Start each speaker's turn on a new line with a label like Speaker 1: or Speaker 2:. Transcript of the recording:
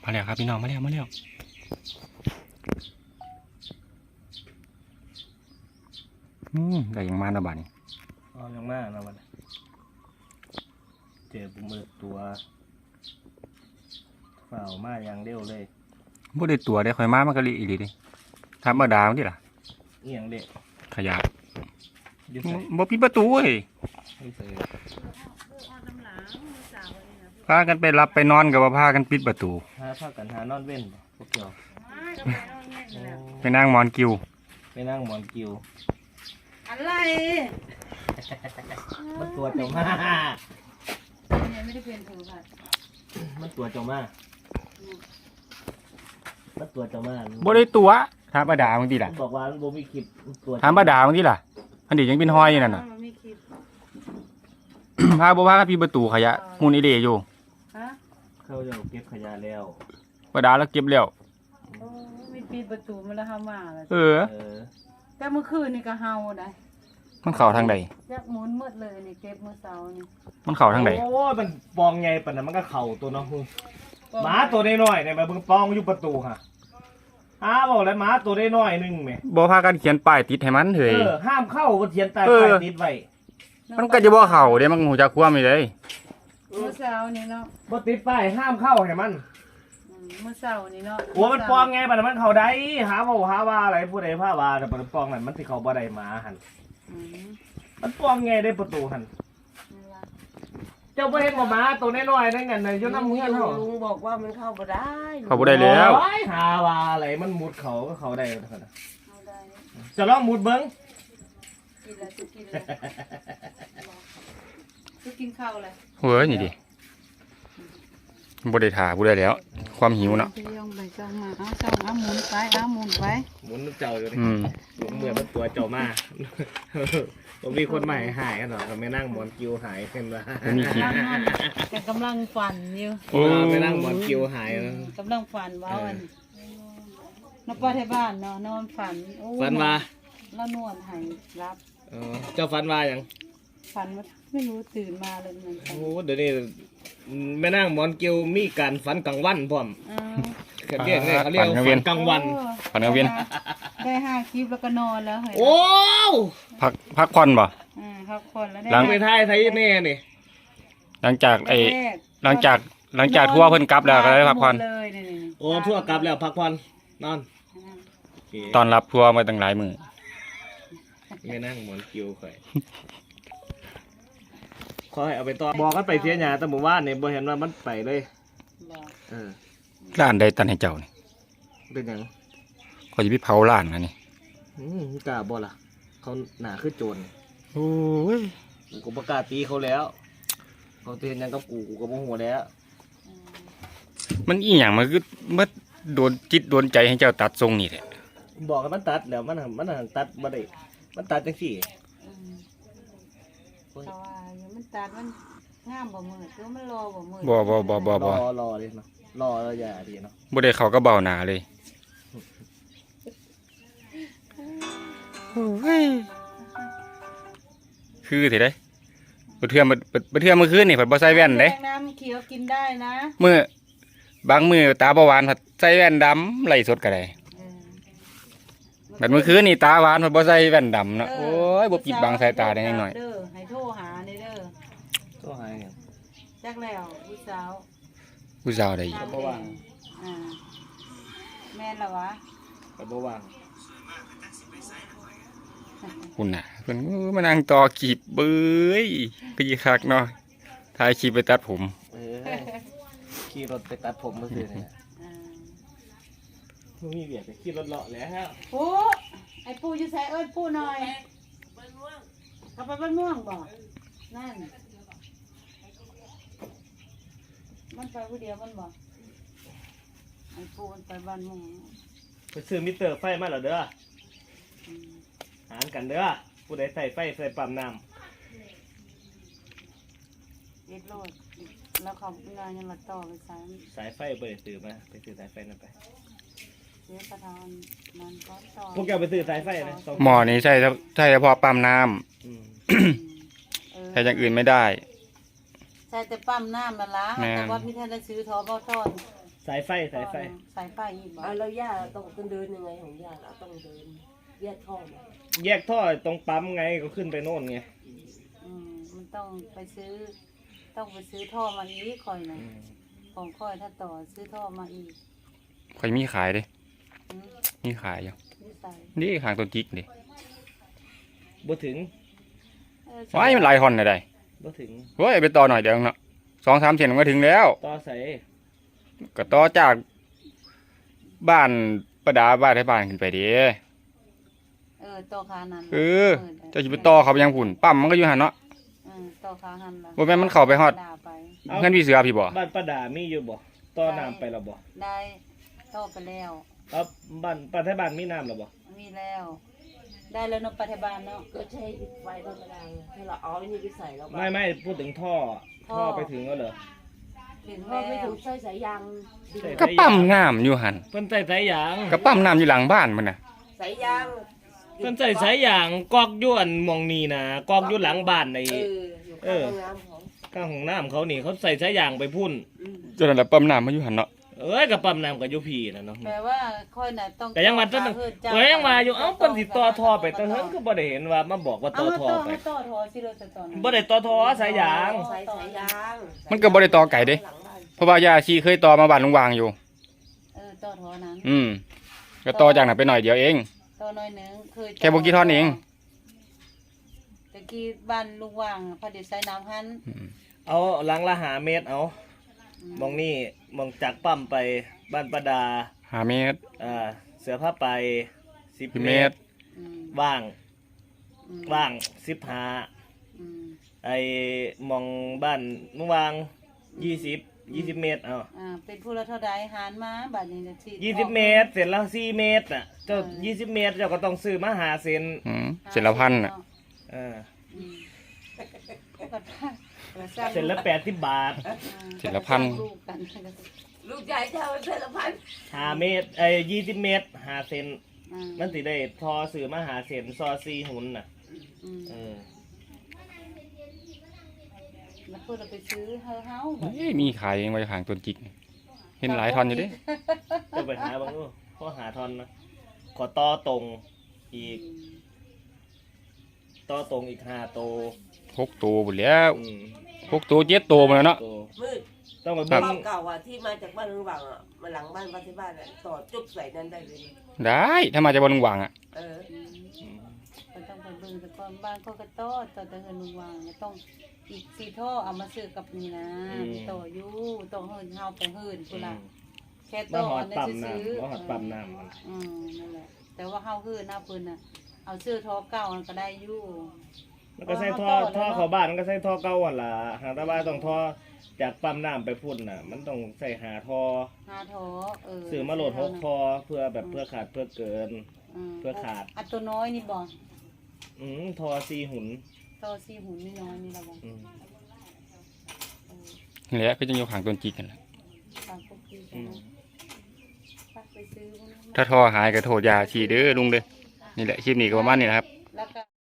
Speaker 1: มาแล้วครับพี่น้องมาแล้วได้ยังมาหน้าบ้านนี่
Speaker 2: อ๋อยังมากนะมันเจอบุมือตัวเฝ้ามาอย่างเร็วเลย
Speaker 1: บ่ได้ตัวได้ค่อยมามันก็ลีอีหลีดิธรรมดามันดิล่ะ
Speaker 2: เอียงเด็ก
Speaker 1: ขยะ
Speaker 2: ยึดใส่
Speaker 1: บ่ปิดประตูเว้ย
Speaker 2: ไม่ใส่
Speaker 1: พากันไปรับไปนอนก็บ่พากันปิดประตู
Speaker 2: หาผ้ากันหานอนเว้นพวกเกี่ยว
Speaker 1: ไปนั่งหมอนกิว
Speaker 2: ไปนั่งหมอนกิว
Speaker 3: อะไร
Speaker 2: มันตัวเจ้ามา
Speaker 3: เนี่ยไม่ได้เป็นถือค่ะ
Speaker 2: มันตัวเจ้ามามันตัวเจ้ามา
Speaker 1: บ่ได้ตัวธรรมดามันดิล่ะ
Speaker 2: มันบอกว่ามันบ่มีคลิปตัว
Speaker 1: ธรรมดามันดิล่ะอันนี้ยังเป็นห้อยอยู่นั่นน่ะ
Speaker 3: มันไม่คิด
Speaker 1: พาบ่พากันปิดประตูขยะมูลอีเดอยู่
Speaker 3: ฮะ
Speaker 2: เขาจะเก็บขยะแล้ว
Speaker 1: บ่ดาแล้วเก็บแล้ว
Speaker 3: โอ้มีปีประตูมาแล้วเฮามาแล้ว
Speaker 1: เออ
Speaker 3: แต่เมื่อคืนนี่ก็เฮาได้
Speaker 1: มันเข้าทางใด
Speaker 3: จักหมุนหมดเลยนี่เก็บมื้อเช้านี่
Speaker 1: มันเข้าทางใด
Speaker 2: โอ้ยมันปองไงปะน่ะมันก็เข่าตัวเนาะหมาตัวน้อยๆเนี่ยมันเพิ่งปองอยู่ประตูค่ะบอกแล้วหมาตัวน้อยๆนึงแหม
Speaker 1: บ่พากันเขียนป้ายติดให้มันเถอะ
Speaker 2: ห้ามเข้าก็เขียนใต้
Speaker 1: เออ
Speaker 2: ป้ายติดไว้
Speaker 1: มันก็จะบ่เข้าเด้มันหูจักความนี่เลย
Speaker 3: มื้อเช้านี่เนาะ
Speaker 2: บ่ติดป้ายห้ามเข้าให้มัน
Speaker 3: มื้อเช้านี่เนาะ
Speaker 2: โอ้มันปองไงปะน่ะมันเข้าได้หาว่าอะไรผู้ใดพาว่าแต่มันปองนั่นมันสิเข้าบ่ได้หมาหั่น
Speaker 3: อืม
Speaker 2: มันปองไงได้ประตูหั่น
Speaker 3: นี่ล่ะ
Speaker 2: เจ้าบ่เห็นว่าหมาตัวน้อยๆนั่นกันน่ะอยู่นำเฮือนเฮา
Speaker 4: ลุงบอกว่ามันเข้าบ่ได้
Speaker 1: เข้าบ่ได้แล้ว
Speaker 2: โอ้ยหาว่าอะไรมันมุดเขาก็เข้าได้เท่านั้น
Speaker 3: เอาได้
Speaker 2: จะลองมุดเบิ่ง
Speaker 3: กินแล้วจะกินแล้วจะกินข้าวอะไร
Speaker 1: เฮ้ยนี่ดิบ่ได้ท่าบ่ได้แล้ว ความหิวเนาะ
Speaker 3: ไปย่องไปจ้องมาเอาจ้องเอาหมุนไปเอาหมุนไป
Speaker 2: หมุนเจ้าอยู่นี่
Speaker 1: อืม
Speaker 2: เหมือนมันตัวเจ้ามา ผมมีคนใหม่หายกันเหรอไม่นั่งหมอนกิวหายกันวะ
Speaker 1: มันมีขี้
Speaker 3: แกกำลังฝันอยู่
Speaker 2: ไม่นั่งหมอนกิวหาย
Speaker 3: กำลังฝันว่าวันนป้าที่บ้านเนาะนอนฝันโอ้
Speaker 2: ฝันว่า
Speaker 3: แล้วนวดให้รับ
Speaker 2: เจ้าฝันว่าอย่าง
Speaker 3: ฝันว่าไม่รู้ตื่นมาเลยเหมือนกัน
Speaker 2: โอ้เดี๋ยวนี้ไม่นั่งหมอนกิวมีการฝันกลางวันพร้อม
Speaker 3: อ้าว
Speaker 2: เขาเรียกว่าฝันกลางวัน
Speaker 1: ฝันกลางเวียน
Speaker 3: ได้5 คลิปแล้วก็นอนแล้วเฮ้ย
Speaker 2: โอ้
Speaker 1: พักผ่อนบ่
Speaker 3: พักผ่อนแล้วได้
Speaker 1: หลัง
Speaker 2: ไปท้ายไทยแน่นี่
Speaker 1: หลังจากไอ้
Speaker 3: แรก
Speaker 1: หลังจากทัวร์เพิ่นกลับแล้วก็ได้พักผ่อน
Speaker 3: เลยนี่
Speaker 2: โอ้ทั่วกลับแล้วพักผ่อนนอนโอเค
Speaker 1: ตอนรับทัวร์มาตั้งหลายมื้อ
Speaker 2: ไม่นั่งหมอนกิวข่อยขอให้เอาไปต่อบอกกันไปเสียหยาแต่หมู่บ้านเนี่ยบ่เห็นว่ามันไปเลย
Speaker 3: บอก
Speaker 1: ร้านใดตันให้เจ้านี่
Speaker 2: เป็นหยัง
Speaker 1: ก็สิไปเผาร้านอันนี้
Speaker 2: กล้าบ่ล่ะเขาหนาคือโจร
Speaker 1: โอ้ย
Speaker 2: กูก็ประกล้าตีเขาแล้ว เขาเตือนยังกับกูก็บ่หัวแล้ว
Speaker 1: มันอีหยังมันคือมันโดนจิตโดนใจให้เจ้าตัดทรงนี่แหละ
Speaker 2: บอกกันมันตัดแล้วมันตัดบ่ได้มันตัดจังซี่
Speaker 3: เพราะว่าอยู่มันตัดมันงามบ่มืดหรือมันรอบ่มืด
Speaker 1: บ่
Speaker 2: รอเลยเนาะรอแล้วอย่าดีเนาะ
Speaker 1: บ่ได้เข้ากับเบ้าหน้าเลยคือสิได้บ่เทื่อมื้อคืนนี่เพิ่นบ่ใส่แว่นเด้
Speaker 3: แดงน้ำเขียวกินได้นะ
Speaker 1: บางมื้อตาบ่หวานเพิ่นใส่แว่นดำไล่สดก็ได้บัดมื้อคืนนี่ตาหวานเพิ่นบ่ใส่แว่นดำเนาะโอ้ยบ่ปิดบังสายตาได้ยังน้อย
Speaker 3: เด้อให้โทรหาเด้อ
Speaker 2: ก็หายเนี่ย
Speaker 3: จักแล้วผู้สาว
Speaker 1: ผู้สาวได้อีก
Speaker 3: ทำแดงแม่นละวะ
Speaker 2: ก็บ่ว่าง
Speaker 1: คุณน่ะเพิ่นมานั่งต่อกีบเบ้ยพี่คักเนาะถ่ายคลิปไปตัดผม
Speaker 2: ขี่รถไปตัดผมมื้อคืนเนี่ยมีเบียดไปขี่รถเลาะแล้ว
Speaker 3: ปูไอ้ปูอยู่ใส่เอิ้นปูหน่อยเอาไปบ้านม่วงบ่นั่นมันไปผู้เดียวมันบ่ไอ้ปูมันไปบ้านม่วง
Speaker 2: ไปซื้อมิเตอร์ไฟมาแล้วเด้อหารกันเด้อผู้ใดใส่ไฟใส่ปั๊มน้ำ
Speaker 3: เอ็ดโลดแล้วเขางานยังมาต่อไปสาย
Speaker 2: สายไฟเปิดซื้อมาไปซื้อสายไฟนั่นไป
Speaker 3: เสียประทานมันก็ต่อ
Speaker 2: พวกแกไปซื้อสายไฟนะสอง
Speaker 1: หมอนี้ใช่เฉพาะปั๊มน้ำ
Speaker 2: อืม
Speaker 1: ใช้อย่างอื่นไม่ได้
Speaker 3: ใช่แต่ปั๊มน้ำมาละ
Speaker 1: แม่น
Speaker 3: แต่ว่าพี่ท่านได้ซื้อทอบอทอน
Speaker 2: สายไฟ
Speaker 3: สายไฟอีกบ่
Speaker 4: แล้วย่าต้องเดินยังไงของย่าเราต้องเดินแยกท่อมา
Speaker 2: แยกท่อตรงปั๊มไงก็ขึ้นไปโน่นไง
Speaker 3: มันต้องไปซื้อท่อมาอีกค่อยนะของค่อยถ้าต่อซื้อท่อมาอีก
Speaker 1: ข่อยมีขายเด้
Speaker 3: อืม
Speaker 1: มีขายอยู่
Speaker 3: นิสัย
Speaker 1: นี่ข้างต้นจิกนี่
Speaker 2: บ่ถึง
Speaker 1: ว้ายมันหลายฮอนได้
Speaker 2: บ่ถึง
Speaker 1: โอ้ยไปต่อหน่อยเดียวเนาะ2-3 เส้นมันก็ถึงแล้ว
Speaker 2: ต่อใส่
Speaker 1: ก็ต่อจากบ้านประดาบ้านให้บ้านขึ้นไปเด้
Speaker 3: ต่อขานั้น
Speaker 1: เจ้าสิไปต่อเขาไปยังพุ่นปั๊มมันก็อยู่หั่นเนาะ
Speaker 3: ต่อขาหันล่ะ
Speaker 1: บ่แม่นมันเข้าไปฮอด
Speaker 3: ด่าไป
Speaker 1: เงินพี่เสือพี่บ่
Speaker 2: บ้านป้าดามีอยู่บ่ต่อน้ำไปแล้วบ่
Speaker 3: ได้ต่อไปแล้ว
Speaker 2: เอาบ้านป้าไทยบ้านมีน้ำแล้วบ่
Speaker 3: มีแล้ว ได้แล้วเนาะปัจจุบันเนาะ
Speaker 4: ก็ใช้ไฟธรรมดาไงถ้าเราเอาไอ้นี่ไปใส่แล้ว
Speaker 2: ไม่พูดถึงท่อไปถึงแล้วเหรอ
Speaker 3: ถึง
Speaker 4: พอ
Speaker 3: แล้
Speaker 4: ไปถึ
Speaker 3: ว
Speaker 4: งใส่สายยาง
Speaker 1: ก็ปั๊มน้ำอยู่หั่น
Speaker 2: เพิ่นใส่สายยาง
Speaker 1: ก็ปั๊มน้ำอยู่หลังบ้านมันน่ะ
Speaker 4: สายยาง
Speaker 2: เพิ่นใส่สายยางกอกอยู่อันหมองนี่นะกอกอยู่หลังบ้านใน
Speaker 4: อยู่ข้างห้องน้ำของ
Speaker 2: ข้างห้องน้ำเขานี่เขาใส่สายยางไปพุ่น
Speaker 1: จนนั้นแหละปั๊มน้ำมาอยู่หั่นเนาะ
Speaker 2: กับปั๊มน้ำกับยุพีนะเนาะ
Speaker 3: แปลว่าค่อยน่ะต้อง
Speaker 2: แต่ยังว่าต้นยังว่าอยู่เอ้าเพิ่นสิต่อท่อไปแต่เฮิงก็บ่ได้เห็นว่ามาบอกว่าต่อท่อไป
Speaker 3: ต่อท่อสิเราจะต่อ
Speaker 2: บ่ได้ต่อท่อสายยาง
Speaker 4: ใส่สายยาง
Speaker 1: มันก็บ่ได้ต่อไก่เด้
Speaker 4: หลังบ้าน
Speaker 1: เพราะว่ายาชีเคยต่อมาบ้านลุงวางอยู่
Speaker 3: ต่อท่อนั้น
Speaker 1: ก็ต่อจากนั้นไปหน่อยเดียวเอง
Speaker 3: ต่อหน่อยนึงเคย
Speaker 1: แค่บ่กี่ท่อนเอง
Speaker 3: ตะกี้บ้านลุงว่างพอดีใส่น้ำหัน
Speaker 2: เอาหลังละหาเมตรเอามองนี่มองจากปั๊มไปบ้านประดา
Speaker 1: 5 เมตร
Speaker 2: เสือผ้าไป10
Speaker 1: 10
Speaker 2: เม
Speaker 1: เม
Speaker 2: ต
Speaker 1: ต
Speaker 2: ร
Speaker 1: ร
Speaker 2: ว่าง
Speaker 3: อืม
Speaker 2: ว่าง
Speaker 3: อืม
Speaker 2: 15ไอ้มองบ้านเมื่อวาง20 เมตรเอา
Speaker 3: เป็นผู้ละเท่าใดหารมาบัดนี้จะสิ
Speaker 2: 20 เมตรเสร็จแล้ว4 เมตรน่ะเจ้า20 เมตรเจ้าก็ต้องซื้อมาหาเซน
Speaker 1: เสร็จละพันน่ะ
Speaker 2: เออ
Speaker 3: เสร็
Speaker 2: เสร็จแล้ว80 บาท
Speaker 1: เสร็จละพัน
Speaker 3: ลูกกัน
Speaker 4: ลูกใหญ่เท่าเส้นละพัน
Speaker 2: 5 เมตร20 เมตรหาเซนมันสิได้ทอซื้อมาหาเซนซอ4หุ่นน่ะ
Speaker 3: แล้วเพื่อเราไปซื้อเฮา
Speaker 1: มีขายเองไว้ข้างต้นจิก เห็นหลายท่อนอยู่เด้
Speaker 2: จะไปหาบางนู่ข้อหาทอนนะขอต่อตรงอีกต่อตรงอีก5 ตัว
Speaker 1: 6 ตัวหมดแล้ว6 ตัว7 ตัวหมดแล้วเนาะ
Speaker 2: ตัว
Speaker 4: มืด
Speaker 2: ต้องไป
Speaker 4: บ้า
Speaker 2: เบิ่ง
Speaker 4: นเก่าที่มาจากบ้านลุงหวังมาหลังบ้านป้าที่บ้านต่อจุบใส่นั้นได้เลย
Speaker 1: ได้ถ้ามาจากบ้านลุงวางอ่ะ
Speaker 3: ก็ต้องไปเบิ่งแต่ก่อนบ้านก็กระต้อต่อแต่เงินลุงวางต้องอีก4ท่อเอามาซื้อกับนี่นะต่ออยู่ต้องเฮินเฮาไปเฮินพุ่นล่ะแค่
Speaker 2: มา
Speaker 3: ต่อ
Speaker 2: หอด
Speaker 3: อันนี้
Speaker 2: ปั๊ม
Speaker 3: ซื้อ
Speaker 2: น้ำมาหอดปั๊มน้ำมัน
Speaker 3: นั่นแหละแต่ว่าเฮาเฮินหน้าเพิ่นน่ะเอาซื้อท่อเก่ามันก็ได้อยู่
Speaker 2: มันก็ใส่ท่อเข้าบ้านมันก็ใส่ท่อเก่าหั่นล่ะหางตาบ้านต้องท่อจากปั๊มน้ำไปพุ่นน่ะ มันต้องใส่หาท่อ
Speaker 3: 5ท่อ
Speaker 2: ซื้อมาโหลด6ท่อเพื่อแบบเพื่อขาดเพื่อเกิน เพื่อขาด
Speaker 3: อันตัวน้อยนี่บ่
Speaker 2: ท่อ4หุ่น
Speaker 3: ต่อ4หุ่นนี่น้อยนี่ล่ะบ่
Speaker 1: นี่แหละก็จะอยู่ข้างต้นจิกกันแหละ
Speaker 3: ตามปกติกันนะไปซื้อ
Speaker 1: ถ้าท่อหายก็โทษยาชีเด้อลุงเด้อนี่แหละคลิปนี้ก็ประมาณนี้นะครับ
Speaker 3: แล้วก็